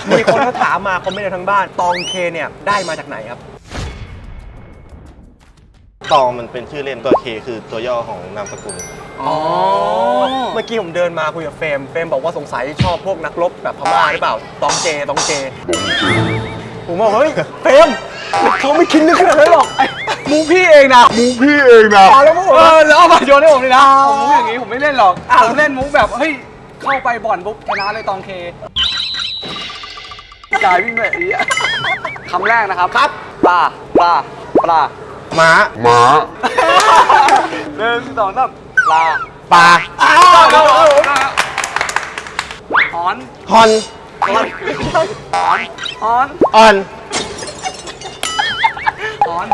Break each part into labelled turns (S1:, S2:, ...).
S1: มีคนเขาถามมาคอมเมนต์ทั้งบ้านตองเคเนี่ยได้มาจากไหนครับ
S2: ตองมันเป็นชื่อเล่นตัวเคคือตัวย่อของนามสกุล
S1: อ๋อเมื่อกี้ผมเดินมาคุยกับเฟรมบอกว่าสงสัยชอบพวกนักรบแบบพม่าหรือเปล่าตองเจผมบอกเฮ้ยเฟรมเขาไม่คิดนึกขนาดนั้นหรอกมูพี่เองนะแล้วแล้วเอามาโยนให้ผมเลยนะ
S3: มุกอย่างนี้ผมไม่เล่นหรอกผมเล่นมุกแบบเฮ้ยเข้าไปบ่อนปุ๊บชนะเลยตองเคจ่ายวิ่งแบบนี้คำแรกนะครับ
S1: ครับ
S3: ปลา
S2: ม้า
S3: 1 2 3ปลาหอน
S2: ฮอน
S3: ฮะ
S1: หอน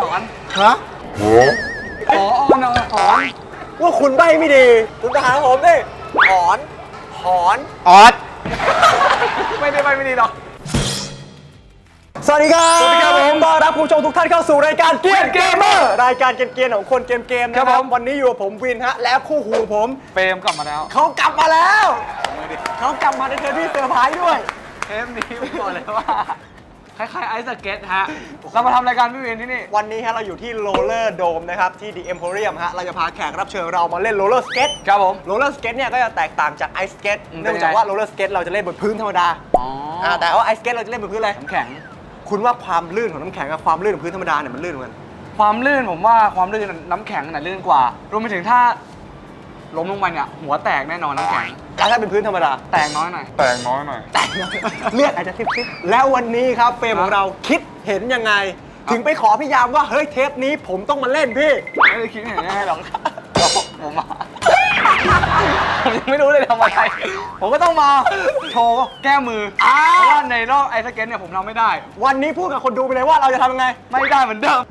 S1: ว่าคุณใบไม่ดีคุณถามผมดิหอน
S2: ออส
S3: ไม่ดีหรอก
S1: สวัสดีครับผมต้อนรับผู้ชมทุกท่านเข้าสู่รายการเกียร์เกมเมอร์รายการเกมของคนเกมนะครับวันนี้อยู่กับผมวินฮะและคู่หูผม
S3: เฟรมกลับมาแล้ว
S1: เขากลับมาในเทปที่เซอร์ไพรส์ด้วย
S3: เทปนี้ผมบอกเลยว่าคล้ายๆไอซ์สเก็ตฮะเรามาทำรายการพี่วินที่นี่
S1: วันนี้ฮะเราอยู่ที่โรลเลอร์โดมนะครับที่ The Emporium ฮะเราจะพาแขกรับเชิญเรามาเล่นโรลเลอร์สเก็ต
S3: ครับผม
S1: โรลเลอร์สเก็ตเนี่ยก็จะแตกต่างจากไอซ์สเก็ตเนื่องจากว่าโรลเลอร์สเก็ตเราจะเล่นบนพื้นธรรมดาแต่ว่าไอซ์สเก็ตเราจะเล่นบนพื้นอะไร
S3: น้ำแข็ง
S1: คุณว่าความลื่นของน้ำแข็งกับความลื่นของพื้นธรรมดาเนี่ยมันลื่นเหมือนกัน
S3: ความลื่นผมว่าความลื่นน้ำแข็งน่ะลื่นกว่ารวมไปถึงถ้าล้มลงไปเนี่ยหัวแตกแน่นอนน้ำแข็ง
S1: แล้วถ้าเป็นพื้นธรรมดา
S3: แตกน้อยหน่อย
S1: เลือดอาจจะซิบๆแล้ววันนี้ครับเฟรมของเราคิดเห็นยังไงถึงไปขอพี่ยามว่าเฮ้ยเทปนี้ผมต้องมาเล่นพี่
S3: ไม่ได้คิดเห็นยังไงหรอกผมยังไม่รู้เลยทำอะไรผมก็ต้องมาโชว์แก้มือเพราะว่าในรอบไอซ์สเก็ตเนี่ยผมทำไม่ได้
S1: วันนี้พูดกับคนดูไปเลยว่าเราจะทำยังไง
S3: ไม่ได้เหมือนเดิม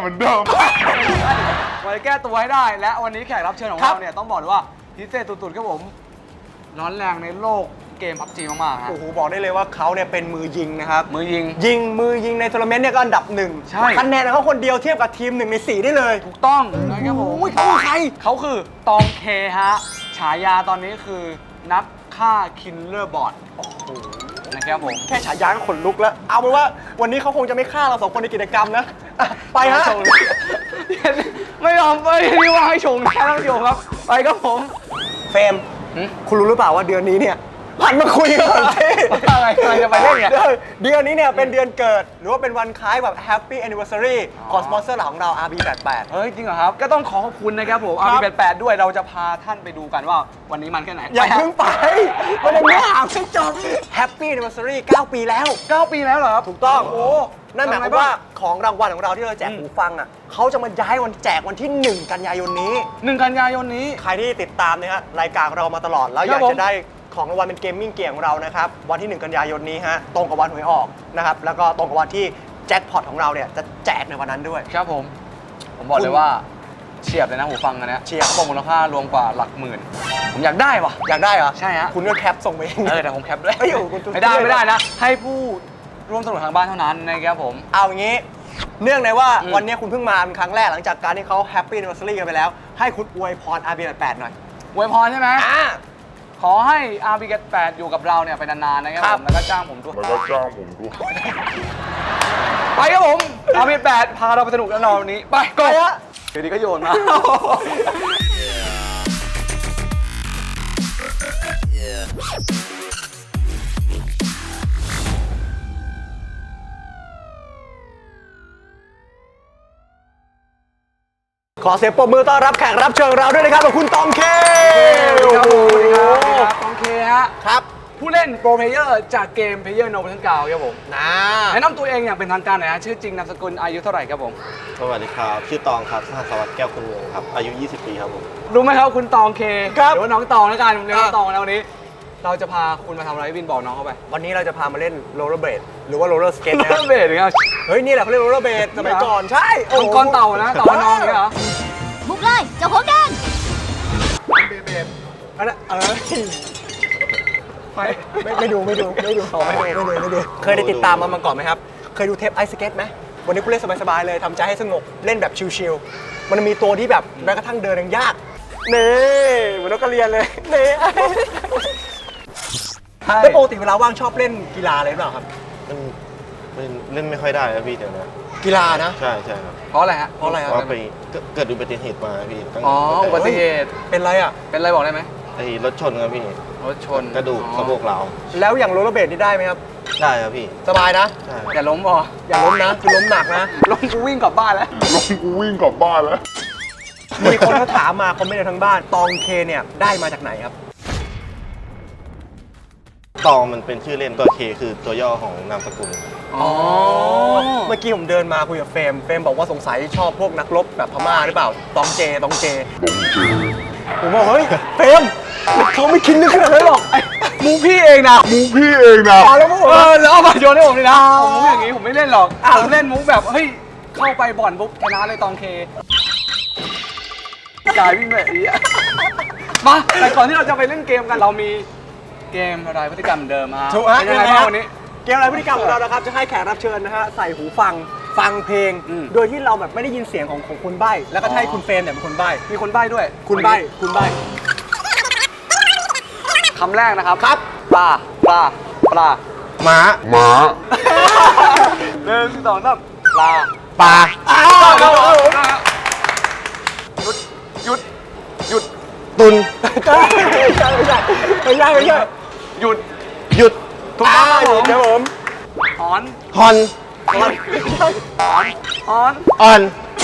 S3: วันนี้แก้ตัวให้ได้และวันนี้แขกรับเชิญของเราเนี่ยต้องบอกเลยว่าพิเศษสุดๆครับผมร้อนแรงในโลกเกม PUBG มากๆฮะ
S1: โอ้โหบอกได้เลยว่าเขาเนี่ยเป็นมือยิงนะครับ
S3: มือยิ
S1: งในทัวร์นาเมนต์เนี่ยก็อันดับ1
S3: ใช่
S1: คะแนนของเขาคนเดียวเทียบกับทีม1 ใน 4ได้เลย
S3: ถูกต้องนะครับผม
S1: เขาคือใคร
S3: เขาคือตองเคฮะฉายาตอนนี้คือนักฆ่าคิลเลอร์บอทนะครับผม
S1: แค่ฉายาก็ขนลุกแล้วเอาเป็นว่าวันนี้เขาคงจะไม่ฆ่าเรา2 คนในกิจกรรมนะไปฮะ
S3: ไม่ยอมไปที่ว่าให้ชงแค่ต้องชงครับไปครับผม
S1: เฟรมคุณรู้หรือเปล่าว่าเดือนนี้เนี่ยหันมาคุยกันที่
S3: อะไรจะไปเล่นเนี่ย
S1: เดือนนี้เนี่ยเป็นเดือนเกิดหรือว่าเป็นวันคล้ายแบบ Happy Anniversary ของสปอนเซอร์หลักของเรา RB88
S3: เฮ้ยจริงเหรอครับก็ต้องขอบคุณนะครับผม RB88 ด้วยเราจะพาท่านไปดูกันว่าวันนี้มันแค่ไหน
S1: อย่าเพิ่งไปวันนี้ไม่ไม่จบ Happy Anniversary 9 ปีแล้ว
S3: 9 ปีแล้วเหรอครับ
S1: ถูกต้องโอ้นั่นหมายความว่าของรางวัลของเราที่เราแจกหูฟังอ่ะเขาจะมาย้ายวันแจกวันที่1 กันยายนนี้
S3: 1 กันยายนนี้
S1: ใครที่ติดตามนะฮะรายการเรามาตลอดแล้วอยากจะได้ของรางวัลเป็นเกมมิ่งเกียร์ของเรานะครับวันที่1 กันยายนนี้ฮะตรงกับวันหวยออกนะครับแล้วก็ตรงกับวันที่แจ็คพอตของเราเนี่ยจะแจกในวันนั้นด้วย
S3: ครับผมบอกเลยว่าเฉียบเลยนะหูฟังอันนี้
S1: เฉียบ
S3: บอกมูลค่ารวมกว่าหลักหมื่นผมอยากได้ว่ะ
S1: อยากได้เหรอ
S3: ใช่ฮะ
S1: คุณก็แคปส่งไปเอง
S3: แต่ผมแคปเลยไม่ได้นะให้ผู้ร่วมสนุกทางบ้านเท่านั้นนะครับผม
S1: เอาอย่างนี้เนื่องในว่าวันนี้คุณเพิ่งมาเป็นครั้งแรกหลังจากการที่เขา Happy Anniversary กันไปแล้วให้คุณอวยพร RB88 หน่อย
S3: อวยพรใช่ไหมขอให้ RB88 อยู่กับเราเนี่ยไปนานๆนะครับผมแล้วก็จ้างผมด้วยไปครับผม RB88 พาเราไปสนุกแน่นอนวันนี้ไปก่อนเดี๋ยวนี้ก็โยนมา
S1: ขอเสียงปรบมือต้อนรับแขกรับเชิญเราด้วยนะครับกับคุณตองเค
S3: ครับตองเคฮะ
S1: ครับ
S3: ผู้เล่นโปรเพลเยอร์จากเกมเพลเยอร์โนเบิลเกาครับผมแนะนำตัวเองอย่างเป็นทางการหน่อยฮะชื่อจริงนามสกุลอายุเท่าไหร่ครับผม
S2: สวัสดีครับชื่อตองครับสหัสวัสดิ์แก้วคุณเมืองครับอายุ20 ปีครับผม
S3: รู้ไหมครับคุณตองเคหรือว่าน้องตองแล้วกันเรียกน้องตองแล้ววันนี้เราจะพาคุณมาทำอะไรวินบอกน้องเขาไป
S1: วันนี้เราจะพามาเล่นโรลเลอร์เบลดหรือว่าโรลเลอร์สเก็ตนะ
S3: โรลเลอร์เบลดเนี่ย
S1: เฮ้ยนี่แหละเขาเรียกโรลเลอร์เบลดสมัยก่อนใช่
S3: ก้อนเต่านะเต่าน้องเนี่ยเหรอ
S4: บุกเลยเจ้าของแดง
S1: เบลดอันนั้นไม่ดูเคยได้ติดตามมาก่อนไหมครับเคยดูเทปไอซ์สเก็ตไหมวันนี้คุณเล่นสบายๆเลยทำใจให้สงบเล่นแบบชิลๆมันมีตัวที่แบบแม้กระทั่งเดินยังยากเน่เหมือนนกกระเรียนเลยเน่
S3: ช่
S1: แล้วปกติเวลาว่างชอบเล่นกีฬาอะไรหรือเปล่าครับ
S2: มันเล่นไม่ค่อยได้ครับพี่เดี๋ยวนะ
S1: กีฬานะ
S2: ใช่ใช่ครับ
S3: เพราะอะไรฮะ
S1: เพราะอะไรค
S2: เพ
S1: รับ
S2: ราะไปเกิดอุบัติเหตุมาพี่ตั้ง
S3: อ๋ออุบัติเหตุ
S1: เป็นไรอ่ะ
S3: เป็นอะไรบอกได้ไหม
S2: ไอ้รถชนครับพี่
S3: รถชน
S2: กระดูกสะโพกเราว
S1: แล้วอย่างโรลเลอร์เบลดนี่ได้ไหมครับ
S2: ได้ครับพี่
S1: สบายนะ
S2: ใช่
S3: อย่าล้มพอ
S1: อย่าล้มนะคือล้มหนักนะ
S3: ล้มกูวิ่งกลับบ้านแล้ว
S1: มีคนเขาถามมาคอมเมนต์ในทางบ้าน ตองเคเนี่ยได้มาจากไหนครับ
S2: ตองมันเป็นชื่อเล่นตัวเคคือตัวย่อของนามสกุล
S3: อ๋อ
S1: เมื่อกี้ผมเดินมาคุยกับเฟรมบอกว่าสงสัยชอบพวกนักรบแบบพม่าหรือเปล่า ตองเจผมบอกเฮ้ยเฟรมเขาไม่คิดนึกขนาดนั้นหรอก
S3: มูพี่เองนะ
S1: มาแล้วพวกผม
S3: แล้วเอามาโยนให้ผมเลยนะผมมุกอย่างนี้ผมไม่เล่นหรอกผมเล่นมุกแบบเฮ้ยเข้าไปบ่อนปุ๊บชนะเลยตองเคจ่ายวิ่งแบบนี้อะมาแต่ก่อนที่เราจะไปเล่นเกมกันเรามีเกมอะไรพฤติกรรมเดิมมา
S1: ถูกฮะ
S3: เป็นยังไงบ้างวันนี้
S1: เกมอะไรพฤติกรรมของเรานะครับ จะให้แขกรับเชิญนะฮะใส่หูฟังเพลง
S3: อืม
S1: โดยที่เราแบบไม่ได้ยินเสียงของคนใบ้แล้วก็จะให้คุณเฟรมเนี่ยเป็นคนใบ้
S3: มีคนใบ้ด้วย
S1: คุณใบ้
S3: คำแรกนะครับ
S1: ครับ
S3: ปลา
S2: ม้า
S3: หนึ่งสองสามปลา
S2: ปลา
S3: หยุด
S2: ตุน
S1: ไม่ใช่
S3: หยุด
S2: หยุด
S3: ถูกต้องครับผม
S1: เดี๋ยวผม
S3: หอน
S2: ฮอน
S3: หอน
S2: ออน
S3: หอน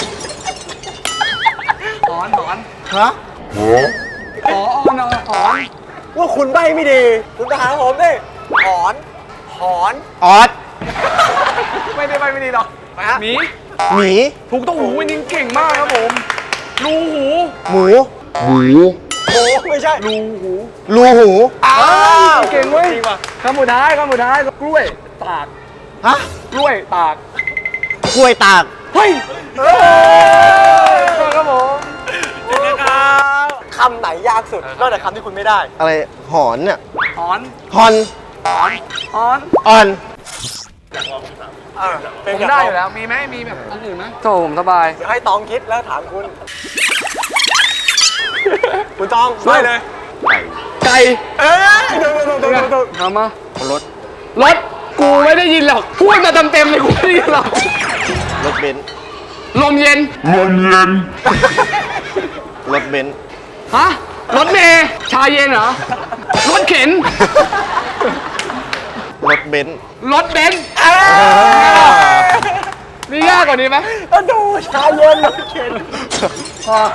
S2: ฮะ
S3: หอนหอน
S1: ว่าคุณใบ้ไม่ดีคุณจะหาผมดิหอน
S2: ออส
S3: ไม่ได้ไปไม่ดีหรอก
S1: ไปฮะ
S3: หมี
S2: หมี
S3: ถูกต้องหูวินิงเก่งมากครับผมรูหู
S2: หมู
S1: โอ้ไม่ใช่
S3: รูหู
S2: รูหู
S3: อ้าวเก่งเว้ยคำสุดท้ายกล้วยตาก
S2: ฮะ
S3: กล้วยตาก
S2: กล้วยตาก
S3: เฮ้ยครับผม
S1: คำไหนยากสุดนอกจากคำที่คุณไม่ได้
S2: อะไรหอนเนี่ย
S3: หอน
S2: ฮอน
S3: หอน
S2: ออน
S3: ผมได้อยู่แล้วมีไหมมีแบบอันอื่นไหมโถผมสบาย
S1: เดี๋ยวให้ตองคิดแล้วถามคุณ คุณตองไม่เลย
S3: ไก่
S1: เอ้ยดู
S3: ทำมารถกูไม่ได้ยินหรอกพูดมาเต็มๆเลยกูไม่ได้ยินหรอก
S2: รถเบนซ์
S3: ลมเย็น
S2: รถเบนซ์
S3: ฮะรถเมย์ชาเย็นเหรอรถเข็น
S2: รถเบนซ์
S3: รถเบนซ์มียากกว่านี้ไหม
S1: ดูชาเย็นรถเข็น
S3: พอ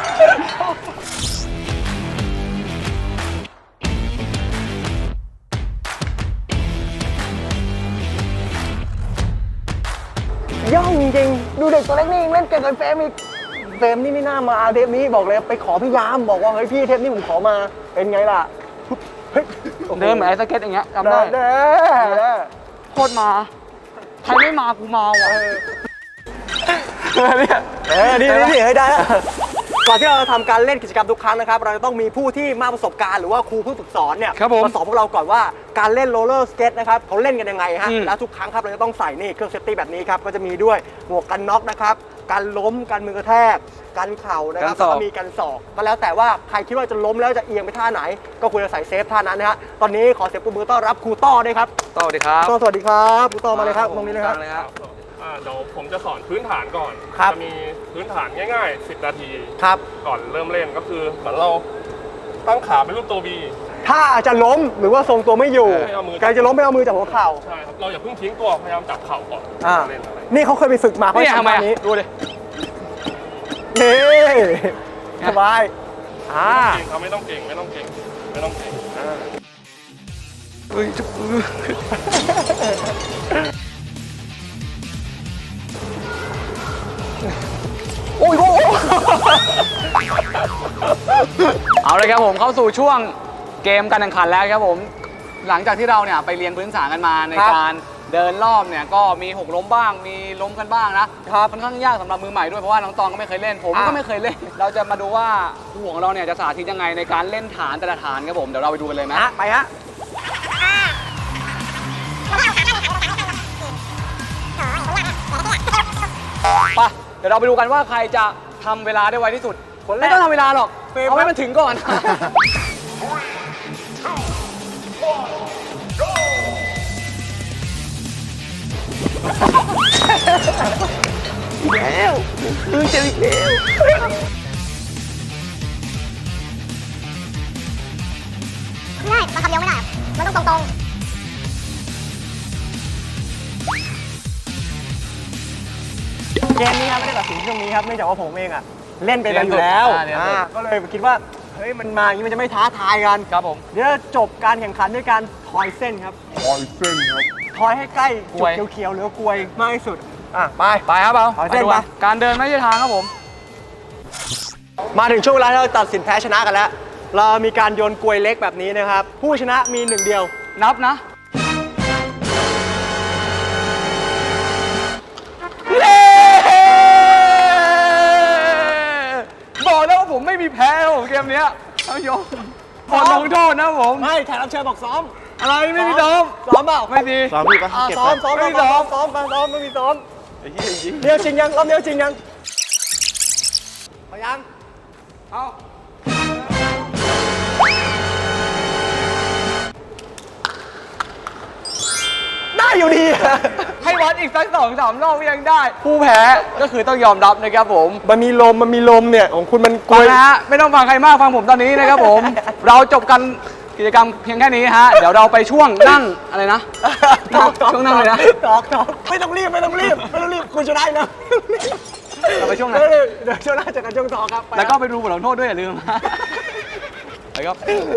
S1: ย่องจริงๆดูเด็กตัวเล็กนี่ยังเล่นเก่งกับเฟรมอีกเฟรมนี่ไม่น่ามาเทปนี้บอกเลยไปขอพี่ยามบอกว่าเฮ้ยพี่เทปนี้ผมขอมาเป็นไงล่ะเฮ้ย
S3: เดินเหมือนไอ้สเก็ตอย่างเงี้ยจำได้
S1: เด้อ
S3: โคตรมาใครไม่มากูมาว่ะ
S1: นี่ให้ได้แล้วก่อนที่เราจะทำการเล่นกิจกรรมทุกครั้งนะครับเราจะต้องมีผู้ที่มากประสบการณ์หรือว่าครูผู้ฝึกสอนเนี่ยมาสอนพวกเราก่อนว่าการเล่นโรลเลอร์สเก็ตนะครับเขาเล่นกันยังไงฮะแล้วทุกครั้งครับเราจะต้องใส่นี่เครื่องเซฟตี้แบบนี้ครับก็จะมีด้วยหมวกกันน็อกนะครับการล้มการมือกระแทกการเข่านะครับแล้วก็มีการศอกก็แล้วแต่ว่าใครคิดว่าจะล้มแล้วจะเอียงไปท่าไหนก็ควรจะใส่เซฟท่านั้นนะฮะตอนนี้ขอเสียงปรบมือต้อนรับครูต้อด้วยครับ
S3: สวัสดีครับ
S1: สวัสดีครับครูต้อมาเลยครับตรงนี้เลยครับ
S5: เดี๋ยวผมจะสอนพื้นฐานก่อน
S1: ครับ
S5: จะมีพื้นฐานง่ายๆ 10 นาที
S1: ครับ
S5: ก่อนเริ่มเล่นก็คือเหมือนเราตั้งขาเป็นรูปตัว V
S1: ถ้าจะล้มหรือว่าทรงตัวไม่อยู่
S5: ให้เอามือ
S1: การจะล้มไม่เอามือจับหัวเข่า
S5: ใช่ครับ เราอย่าเพิ่งทิ้งตัว พยายามจับเข่าก่อน
S1: อ่า
S5: เล่นอะไร
S1: นี่เขาเคยไปฝึกมาเขา
S3: เนี่ยทำ
S1: ทำ
S3: ไม
S1: แบบนี้
S3: ดูดิ
S1: นี่สบาย
S5: เก่งครับไม่ต้องเก่ง ไม่ต้องเก่ง ไม่ต้องเก่ง
S1: โอ้ย
S3: เอาเลยครับผมเข้าสู่ช่วงเกมการแข่งขันแล้วครับผมหลังจากที่เราเนี่ยไปเรียนพื้นฐานกันมาในการเดินรอบเนี่ยก็มีหกล้มบ้างมีล้มกันบ้างนะค่อนข้างยากสำหรับมือใหม่ด้วยเพราะว่าน้องตองก็ไม่เคยเล่นผมก็ไม่เคยเล่นเราจะมาดูว่าครูของเราเนี่ยจะสาธิตยังไงในการเล่นฐานแต่ละฐานครับผมเดี๋ยวเราไปดูกันเลยไหม
S1: ไปฮะ
S3: ไปเดี๋ยวเราไปดูกันว่าใครจะทำเวลาได้ไวที่สุดไม่ต้องทำเวลาหรอกเอาให้มันถึงก่อน
S5: Go
S1: แล้วมึงเจออีกแล้ว
S4: ไม่ได้มันทำเดียวไม่ได้ มันต้องตรง
S1: เกมนี้ครับไม่ได้ตัดสินช่วงนี้ครับเนื่องจากว่าผมเองอะเล่นไปแล้วอยู่แล้ว ก็เลยคิดว่าเฮ้ยมันมาอย่างนี้มันจะไม่ท้าทายกัน
S3: ครับผม
S1: เดี๋ยวจบการแข่งขันด้วยการทอยเส้นครับทอยเส้นครับทอยให้ใกล้จุดเขียวๆหรือกลวยมากที่สุดไป
S3: ไปครับเอา
S1: ขอเส้น
S3: ดู
S1: ไป
S3: การเดินไม่ใช่ทางครับผม
S1: มาถึงช่วงเวลาที่เราตัดสินแพ้ชนะกันแล้ว เรามีการโยนกลวยเล็กแบบนี้นะครับ ผู้ชนะมีหนึ่งเดียว
S3: นับนะบอกแล้วว่าผมไม่มีแพ้ครับผมเกมเนี้ยท่านผู้ชมขอลงโทษนะผม
S1: ไม่แขกรับเชิญบอกซ้อม
S3: อะไรไม่มีซ้อม
S1: ซ้อมเปล่า
S3: ไม่ดี
S2: ซ้อมพี่ปะเก็บ
S1: ซ้อ
S2: ไป
S1: มซ้อม
S3: ไม่มีซ้อม
S1: ซ้อมไม่มีซ้อม
S2: ไอ้เหี้ยจริง
S1: เดียวจริงยังรอบเดียวจริงยังพยัง
S3: เอา
S1: ได้อยู่ดีอะ
S3: ให้วัดอีกสัก2-3 รอบก็ยังได้ ผู้แพ้ก็คือต้องยอมรับนะครับผม
S1: มันมีลมเนี่ยของคุณมันกล
S3: ฟัง
S1: วย
S3: นะฮะไม่ต้องฟังใครมากฟังผมตอนนี้นะครับผม เราจบกันกิจกรรมเพียงแค่นี้ฮะ เดี๋ยวเราไปช่วงนั่งอะไรนะ ช่วงนั่งเลยนะ
S1: ตอกไม่ต้องรีบคุณจะได้นะ
S3: เราไปช่วงไหน
S1: เดี๋ยวช่วงหน้าเจอกันช่วงต่อครับไป
S3: แล้วก็ไปดูบทลงโทษด้วยอย่าลืมไปครับ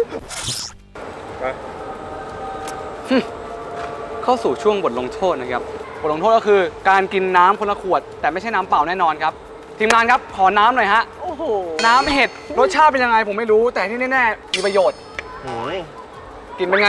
S3: เข้าสู่ช่วงบทลงโทษนะครับบทลงโทษก็คือการกินน้ำคนละขวด แต่ไม่ใช่น้ำเปล่าแน่นอนครับทีมงานครับขอน้ำหน่อยฮะ
S1: โอ้โห
S3: น้ำเห็ดรสชาติเป็นยังไงผมไม่รู้ แต่ที่แน่ๆมีประโยชน์
S2: โอ้ย
S3: กินเป็นไง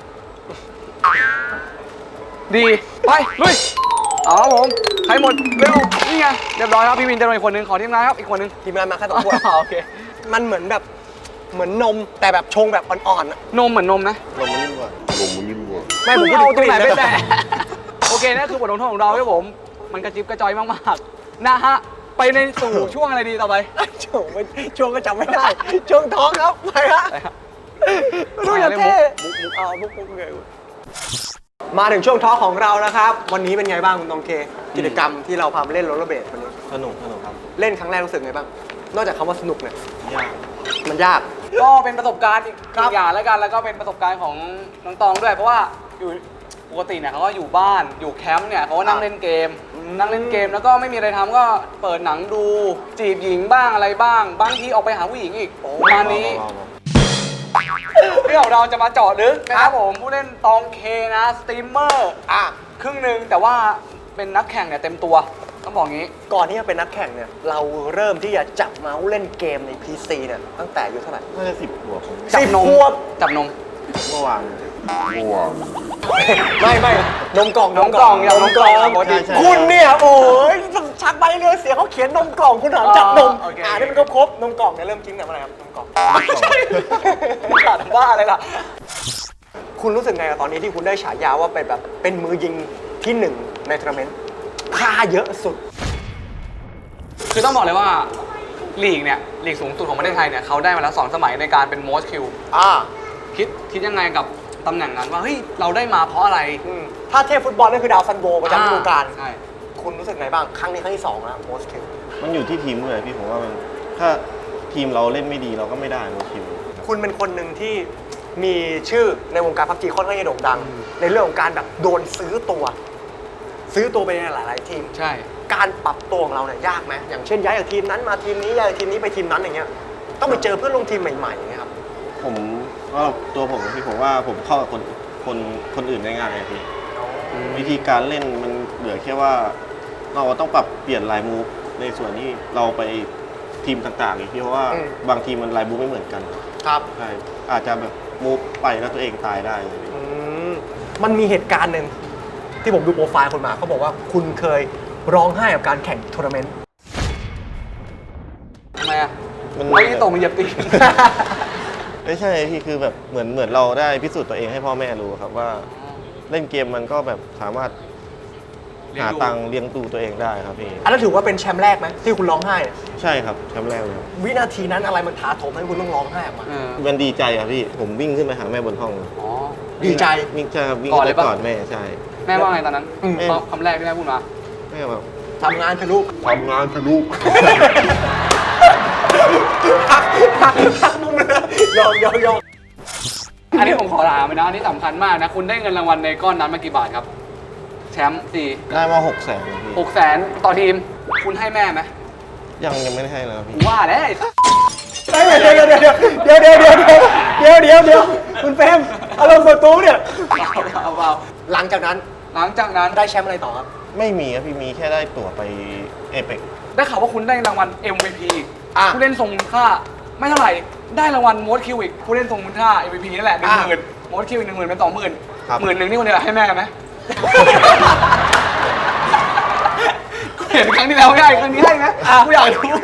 S3: ดีไปลุยเอาครับผมใครหมดเร็วนี่ไงเรียบร้อยครับพี่วินจะโดนอีกคนนึงขอทีมงานครับอีกคนนึง
S1: ทีมงานมาแค่2 ขวด
S3: โอเค
S1: มันเหมือนแบบเหมือนนมแต่แบบชงแบบอ่อนๆอะ
S3: นมเหมือนนมนะ
S2: ลงมานิ่มกว่า
S1: ไม่ผม
S3: เอาตรงไหนไป
S1: กลิ่
S3: แตะโอเคนั่นคือบทลงโทษของเราครับผม มันกระจิบกระจอยมากๆนะฮะไปในสู่ช่วงอะไรดีต่อไป
S1: ช่วงก็จำไม่ได้ ช่วงท้องครับไปฮะ
S3: ไปครับ
S1: ดูอย่างเท่มุกเลยมาถึงช่วงท้อของเรานะครับ วันนี้เป็นไงบ้างคุณตองเค กิจกรรมที่เราพาไปเล่นโรลเลอร์เบลดวันนี้
S2: สนุกครับ
S1: เล่นครั้งแรกรู้สึกไงบ้าง นอกจากคำว่าสนุกเนี่ย
S2: ยาก
S1: มันยาก
S3: ก็เป็นประสบการณ์อีก
S1: ครับ
S3: อย่างแล้วกัน แล้วก็เป็นประสบการณ์ของน้องตองด้วย เพราะว่าอยู่ปกติเนี่ยเขาก็อยู่บ้านอยู่แคมป์เนี่ยเขาก็นั่งเล่นเกม นั่งเล่นเกมแล้วก็ไม่มีอะไรทำก็เปิดหนังดูจีบหญิงบ้างอะไรบ้าง บางทีออกไปหาผู้หญิงอีกประมาณนี้ เรื่องของเราจะมาเจาะลึกนะครับผมผู้เล่นตองเคนะสตรีมเมอร์ครึ่งหนึ่งแต่ว่าเป็นนักแข่งเนี่ยเต็มตัวต้องบอกงี้
S1: ก่อนที่จะเป็นนักแข่งเนี่ย เราเริ่มที่จะจับเมาส์เล่นเกมใน PC เนี่ยตั้งแต่อายุเท่าไหร่
S2: น่าจะ10 ขวบผม
S3: จับนม
S1: 10 ขวบ
S3: จับนม
S2: เมื่อวาน
S1: ไม่นมกล่อง
S3: นมกล่องอย่างนมกล่องปกติ
S2: ใช่
S1: คุณเนี่ยโอ้ยชักใบเรือเสียเขาเขียนนมกล่องคุณถามจับนม
S3: โอเค
S1: นี่มันก็ครบนมกล่องเนี่ยเริ่มกินแต่เมื่อไหร่ครับนมกล่อง
S3: ขาดว่าอะไรล่ะ
S1: คุณรู้สึกไงกับตอนนี้ที่คุณได้ฉายาว่าเป็นแบบเป็นมือยิงที่หนึ่งในทัวร์นาเมนต์ค่าเยอะสุด
S3: คือต้องบอกเลยว่าลีกเนี่ยลีกสูงสุดของประเทศไทยเนี่ยเขาได้มาแล้ว2 สมัยในการเป็น most kill คิดยังไงกับตำแหน่งนั้นว่าเฮ้ยเราได้มาเพราะอะไร
S1: ถ้าเทพฟุตบอลนั่นคือดาวซันโวประจำฤดูกาล
S3: ใช่
S1: คุณรู้สึกไงบ้าง ครั้งนี้ครั้งที่2แล้วโมสคิว
S2: มันอยู่ที่ทีมเลยพี่ผมว่ามันถ้าทีมเราเล่นไม่ดีเราก็ไม่ได้โนคิว
S1: คุณเป็นคนหนึ่งที่มีชื่อในวงการพับจีค่อนข้างจะโด่งดัง ในเรื่องของการแบบโดนซื้อตัวไปในหลายๆทีม
S3: ใช่
S1: การปรับตัวของเราเนี่ยยากไหมอย่างเช่นย้ายจากทีมนั้นมาทีมนี้ย้ายจากทีมนี้ไปทีมนั้นอย่างเงี้ยต้องไปเจอเพื่อนร่วมทีมใหม่ๆอย่างเงี้ยครับ
S2: ผมก็ตัวผมนะพี่ผมว่าผมเข้ากับคนอื่นได้ง่ายเลยพี่วิธีการเล่นมันเหลือแค่ว่าเราต้องปรับเปลี่ยนลายมูฟในส่วนที่เราไปทีมต่างๆอีกพี่เพราะว่าบางทีมมันลายมูฟไม่เหมือนกัน
S1: ครับ
S2: ใช่อาจจะแบบมูฟไปแล้วตัวเองตายได้เลย
S1: มันมีเหตุการณ์หนึ่งที่ผมดูโปรไฟล์คุณมาเขาบอกว่าคุณเคยร้องไห้กับการแข่งทัวร์นาเมนต์
S3: ทำไมอ่ะ
S2: มัน
S3: ไม่ได้ตกมาเหยียบตีน
S2: ไม่ใช่พี่คือแบบเหมือนเราได้พิสูจน์ตัวเองให้พ่อแม่รู้ครับว่าเล่นเกมมันก็แบบสามารถหาตังค์เลี้ยงดูตัวเองได้ครับพี่
S1: อันนั้นถือว่าเป็นแชมป์แรกไหมที่คุณร้องไห้เนี่ย
S2: ใช่ครับแชมป์แรกเลยครับ
S1: วินาทีนั้นอะไรมันถาโถมให้คุณต้องร้องไห้ออกมา
S2: มันดีใจอะพี่ผมวิ่งขึ้นไปหาแม่บนห้อง
S3: อ๋อ
S1: ดีใจ
S2: วิ่งใช่ครับวิ่ง
S3: ก่อน
S2: ไป
S3: เลยปะ
S2: กอดแม่ใช่
S3: แม่ว่าไงตอนนั้น
S2: แม่
S3: คำแรกที่แม่พูดมา
S2: ไม่แบบ
S1: ทำงานเถอะลูก
S2: ทำงานคือลูก
S1: ทักมุมเลยยอม
S3: อันนี้ผมขอถามเลยนะ อันนี้สำคัญมากนะ คุณได้เงินรางวัลในก้อนนั้นมากี่บาทครับ แชมป์สี่
S2: ได้มา600,000พี่
S3: 600,000ต่อทีม คุณให้แม่ไหม
S2: ยังไม่ได้ให้เลยครับพี่
S3: ว่าแล้วไอ้
S1: เดี๋ยวคุณเฟรมอารมณ์ส่วนตัวเนี่ย
S3: เปล่า
S1: หลังจากนั้น
S3: หลังจากนั้น
S1: ได้แชมป์อะไรต่อครับ
S2: ไม่มีครับพี่มีแค่ได้ตั๋วไปเอเปก
S3: ได้ข่าวว่าคุณได้รางวัล MVP
S1: อ่ะ
S3: ผู้เล่นทรงคุณค่า ไม่เท่าไหร่ ได้รางวัลโมดคิวอีกผู้เล่นทรงคุณค่า MVP นั่นแหละ 10,000โมดคิวอีก10,000เป็น20,000
S2: ครับ
S3: 10,000นี่คนเดียวให้แม่ไหม เห็นครั้งที่แล้วไม่ให้ครั้งนี้ให้ไหมกูอยากรู้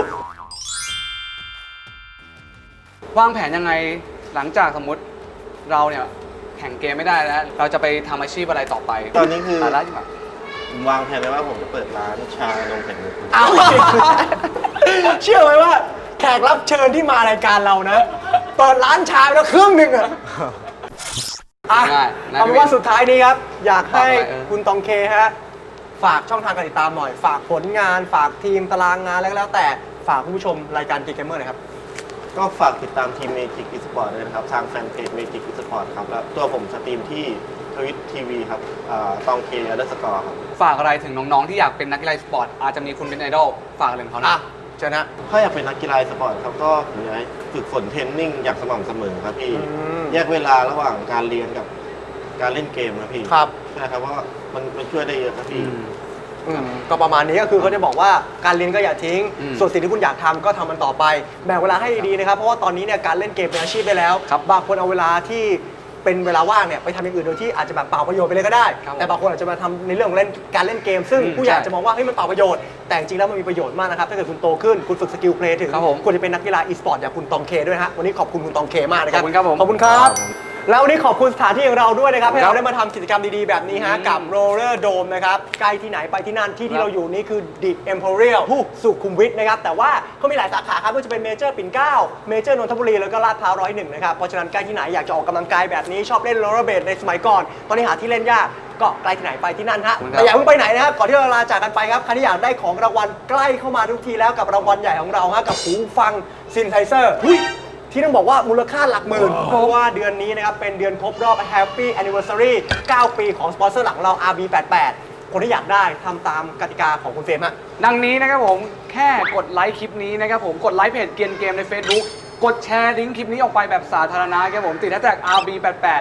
S3: วางแผนยังไงหลังจากสมมติเราเนี่ยแข่งเกมไม่ได้แล้ว เราจะไปทำอาชีพอะไรต่อไป
S2: ตอนนี้คือ
S3: สาระที่แบบ
S2: ผมวางแผนไว้ว่าผมจะเปิดร้านชานมไข่มุก
S1: เอาเชื่อไหมว่าแขกรับเชิญที่มารายการเรานะเปิดร้านชาไปแล้วครึ่งหนึ่งอะอ่ะ
S3: ได้ได้
S1: เอาเป็นว่าสุดท้ายนี้ครับ อยากให้
S3: ฝากอะไร
S1: คุณตองเคฮะฝากช่องทางการติดตามหน่อย ฝากผลงาน ฝากทีมตารางงานแล้วก็แล้วแต่ฝากคุณผู้ชมรายการ Geek Gamer หน่อยครับ
S2: ก็ฝากติดตามทีม Magic Esport ด้วยนะครับ ทางแฟนเพจ Magic Esport ครับ แล้วตัวผมสตรีมที่ทวิตทีวีครับตองเค_ครับ
S3: ฝากอะไรถึงน้องๆที่อยากเป็นนักกีฬาสปอร์ตอาจจะมีคุณเป็นไอดอลฝากอะไรของเขา
S1: อ่ะ
S3: นะ
S1: เชิญนะ
S2: ถ้าอยากเป็นนักกีฬาสปอร์ตครับก็ผมอยากให้ฝึกฝนเทรนนิ่งอย่างสม่ำเสมอครับพี่
S1: ม
S2: แยกเวลาระหว่างการเรียนกับการเล่นเกมครับพี่
S1: ครับ
S2: ใช่ครับว่ามันช่วยได้เยอะครับพี่
S1: ก็ประมาณนี้ก็คือเขาจะบอกว่าการเรียนก็อย่าทิ้ง
S3: อืม
S1: ส่วนสิ่งที่คุณอยากทำก็ทำมันต่อไปแบ่งเวลาให้ดีๆนะครับ เพราะว่าตอนนี้เนี่ยการเล่นเกมเป็นอาชีพไปแล้ว
S3: ครับ
S1: บางคนเอาเวลาที่เป็นเวลาว่างเนี่ยไปทำอย่างอื่นโดยที่อาจจะแบบเปล่าประโยชน์ไปเลยก็ได้
S3: ครับ
S1: แต่บางคนอาจจะมาทำในเรื่องของการเล่นเกม ซึ่ง
S3: อืม
S1: ผู้ใหญ่
S3: ใช่
S1: อาจจะมองว่าเฮ้ยมันเปล่าประโยชน์แต่จริงๆแล้วมันมีประโยชน์มากนะครับถ้าเกิดคุณโตขึ้นคุณฝึกสกิลเพลย์ถึง
S3: ครับผม
S1: ควรจะเป็นนักกีฬาอีสปอร์ตอย่างคุณตองเคด้วยนะฮะวันนี้ขอบคุณคุณตองเคมากนะครั
S3: ขอบคุณครับผม
S1: ขอบคุณครับ แล้ววันนี้ขอบคุณสถานที่ของเราด้วยนะครับให้
S3: ครั
S1: เรา
S3: บ
S1: ได้มาทำกิจกรรมดีๆแบบนี้ฮะกับ Roller Dome นะครับใกล้ที่ไหนไปที่นั่นที่ที่เราอยู่นี่คือ The Emporial สุขุมวิทนะครับแต่ว่าเขามีหลายสาขาครับไม่ว่าจะเป็นเมเจอร์ปิ่นเกล้าเมเจอร์นนทบุรีแล้วก็ลาดพร้าว101นะครับเพราะฉะนั้นใกล้ที่ไหนอยากจะออกกำลังกายแบบนี้ชอบเล่นโรลเลอร์เบดในสมัยก่อนตอนนี้หาที่เล่นยากก็ใกล้ที่ไหนไปที่นั่นฮะ
S3: ขอบคุณครับ
S1: แต่อย่าเพิ่งไปไหนนะครับก่อนที่เราลาจากกันไปครับใครที่อยากได้ของรางวัลใกล้เข้ามาทุกทีแล้วกับรางวัลใหญ่ของเราฮะกับหูฟังซินไทเซอร์ที่ต้องบอกว่ามูลค่าหลักหมื่น เพราะว่าเดือนนี้นะครับ เป็นเดือนครบรอบ Happy Anniversary 9 ปีของสปอนเซอร์หลักของเรา RB88 คนที่อยากได้ทำตามกติกาของคุณเฟรมฮะ
S3: ดังนี้นะครับผมแค่กดไลค์คลิปนี้นะครับผมกดไลค์เพจเกียนเกมใน Facebook กดแชร์ลิงก์คลิปนี้ออกไปแบบสาธารณะครับผมติดแฮชแท็ก RB88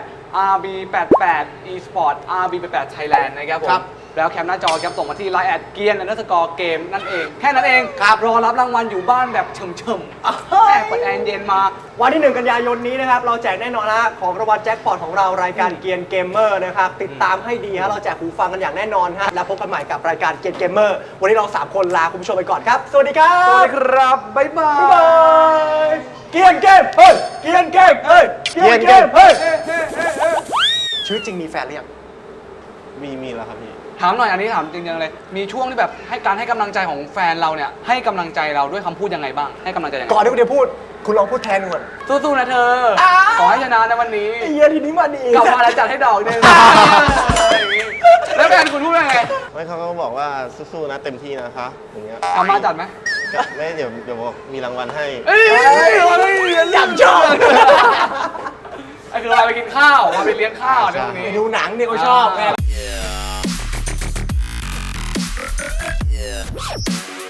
S3: RB88 eSport RB88 Thailand นะครับผม
S1: ครับ
S3: แล้วแคปหน้าจอครับส่งมาที่ Line แอดเกียนเกมนั่นเอง แค่นั้นเอง
S1: ครับ
S3: รอรับรางวัลอยู่บ้านแบบเฉิมๆแค่เปิดแอร์เย็นมา
S1: วันที่ 1 กันยายนนี้นะครับ เราแจกแน่นอนนะของรางวัลแจ็คพอตของเรารายการเกียนเกมเมอร์นะครับ ติดตามให้ดีฮะเราแจกหูฟังกันอย่างแน่นอนฮะแล้วพบกันใหม่กับรายการเกียนเกมเมอร์วันนี้เรา 3 คนลาคุณผู้ชมไปก่อนครับ สวัสดีครับ
S3: สวัสดีครับ บ๊ายบา
S1: บ๊ายบาย ยเกียนเกมเฮ้ยเกียนเกมเฮ้ยเกียนเกมเฮ้ยชีวิตจริงมีแฟนหรือยัง
S2: มีแล้วครับพี่
S3: ถามหน่อยอันนี้ถามจริงๆเลย มีช่วงที่แบบให้กำลังใจของแฟนเราเนี่ยให้กำลังใจเราด้วยคำพูดยังไงบ้าง ให้กำลังใจยังไง
S1: ก่อนที่คุณจะพูดคุณลองพูดแทนก่อน
S3: สู้ๆนะเธอ
S1: อ้าว
S3: ขอให้ชนะในวันนี้
S1: ไอ้เหี้ยทีนี้มาดี
S3: กลับมาแล้วจัดให้ดอกหนึงอย่างงี้แล้วแฟนคุณพูดว่าไง
S2: ไม่เขาก็บอกว่าสู้ๆนะเต็มที่นะคะอย่างเงี้ย
S3: กลับมาจัดไหม
S2: ก็ไม่เดี๋ยวบอกมีรางวัลให้
S3: เอ้ยอยากชอบไอ้คือเราไปกินข้าวมาไปเลี้ยงข้าวในวัน
S1: ไป
S3: นี้
S1: ดูหนังเนี่ยเขาชอบไง